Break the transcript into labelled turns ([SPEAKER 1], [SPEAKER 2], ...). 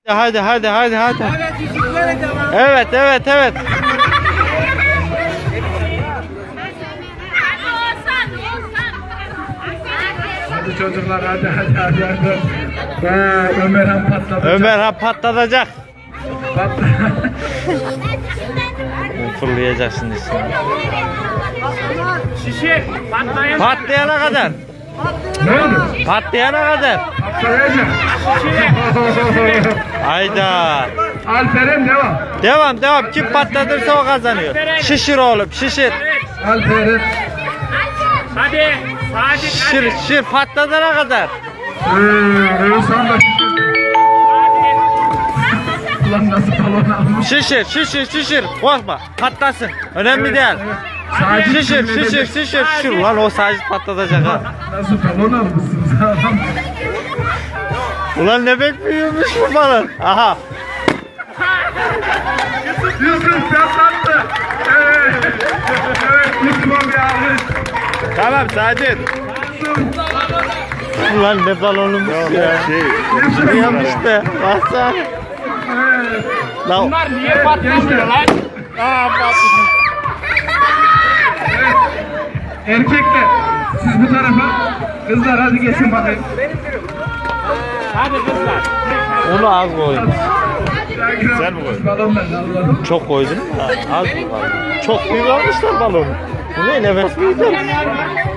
[SPEAKER 1] Hadi hadi hadi hadi.
[SPEAKER 2] Evet, yüzüklere devam.
[SPEAKER 1] Evet evet evet.
[SPEAKER 3] Hadi çocuklar hadi. Ömerhan patladı.
[SPEAKER 1] Ömer patlatacak. Fırlayacak şimdi.
[SPEAKER 2] Şişe patlayan.
[SPEAKER 1] Patlayana kadar.
[SPEAKER 3] Ne oldu?
[SPEAKER 1] Patlayana kadar.
[SPEAKER 3] Patlayacak.
[SPEAKER 1] Hayda.
[SPEAKER 3] Alperen devam.
[SPEAKER 1] Devam devam. Kim patlatırsa o kazanıyor. Şişir oğlum şişir.
[SPEAKER 3] Alperen.
[SPEAKER 2] Hadi. Hadi.
[SPEAKER 1] Şişir şişir patlatana kadar.
[SPEAKER 3] Oğuzhan da ulan nasıl balon almış?
[SPEAKER 1] Şişir şişir şişir. Korkma patlasın. Önemli değil.
[SPEAKER 3] Sacit
[SPEAKER 1] Şişir
[SPEAKER 3] sinirlenecek.
[SPEAKER 1] şişir şişir şişir. Lan o sadece patlatacak ha.
[SPEAKER 3] Nasıl balon almışsınız adam?
[SPEAKER 1] Ulan ne bek büyümüş bu balon. Aha.
[SPEAKER 3] Yusuf patlattı. Evet. Yusuf'a bir almış.
[SPEAKER 1] Tamam Sacit. Ulan ne balonumuz ya. Yapmış be. Baksana. Lan
[SPEAKER 2] Bunlar niye patlamıyor lan? Aa patladı.
[SPEAKER 3] Erkekler siz bu tarafa. Kızlar hadi geçin bakayım.
[SPEAKER 2] Hadi kızlar.
[SPEAKER 1] onu az koydum.
[SPEAKER 3] Sen mi koydun? Balon ben Allah'ım.
[SPEAKER 1] Çok koydum. Az mı kaldı? Çok büyük almışlar balonu. Bu ne nefes mi yiyeceğim?